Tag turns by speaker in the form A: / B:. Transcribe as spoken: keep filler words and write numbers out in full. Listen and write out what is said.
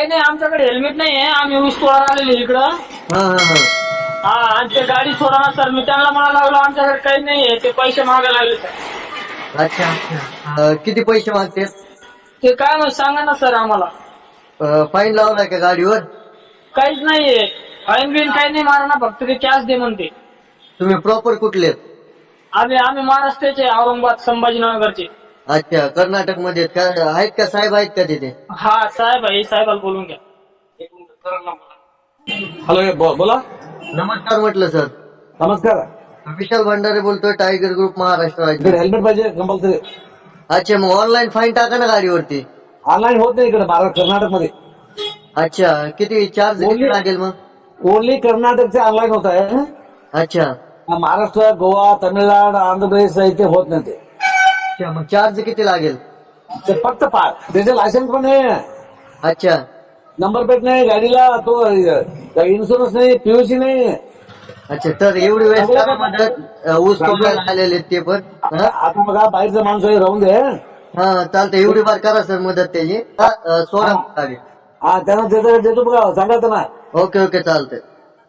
A: काही नाही, आमच्याकडे हेल्मेट नाही आहे. आम्ही ऊस तोडायला आलेले इकडं.
B: हा हा हा
A: हा, आणि ते गाडी सोडा ना सर. मी त्यांना म्हणा लागलो आमच्याकडे काही नाही आहे, ते पैसे मागायला लागले सर.
B: अच्छा अच्छा अं, किती पैसे मागते?
A: ते काय मग सांगा ना सर आम्हाला.
B: फाईन लावलाय का गाडीवर?
A: काहीच नाहीये, फाईन बिन काही नाही मारा ना, फक्त ते कॅश दे म्हणते.
B: तुम्ही प्रॉपर कुठले?
A: आम्ही आम्ही महाराष्ट्राचे, औरंगाबाद संभाजीनगरचे.
B: अच्छा, कर्नाटक मध्ये का आहेत का साहेब आहेत का तिथे?
A: हा साहेब आहे, साहेबाला बोलून घ्या.
C: हॅलो बो- बोला.
B: नमस्कार म्हटलं सर.
C: नमस्कार.
B: विशाल भंडारे बोलतोय, टायगर ग्रुप महाराष्ट्र
C: इकडे
B: राज्य.
C: हेल्मेट पाहिजे कंपल्सरी.
B: अच्छा, मग ऑनलाईन फाईन टाका ना गाडीवरती.
C: ऑनलाईन होत नाही इकडे महाराष्ट्र कर्नाटक मध्ये.
B: अच्छा, किती चार्ज किती
C: Only-
B: लागेल मग?
C: ओनली कर्नाटकचे ऑनलाईन होत आहे.
B: अच्छा
C: महाराष्ट्र, गोवा, तामिळनाडू, आंध्र प्रदेश इथे होत नाही ते.
B: अच्छा, मग चार्ज किती लागेल?
C: ते फक्त पाच. त्याचे लायसन्स पण नाही,
B: अच्छा
C: नंबर प्लेट नाही गाडीला, तो इन्शुरन्स नाही, पीयूसी नाही.
B: अच्छा, तर एवढी वेळेस करा मदत. अं, ऊस तोडायला आलेले ते पण. हा
C: आता बघा बाहेरचं माणूस आहे, राहून दे.
B: हा, चालतं, एवढी बार करा सर मदत त्याची. हा, अं, सोडा गाडी.
C: हा त्यांना देतो देतो बघा, सांगा त्यांना.
B: ओके ओके, चालतंय.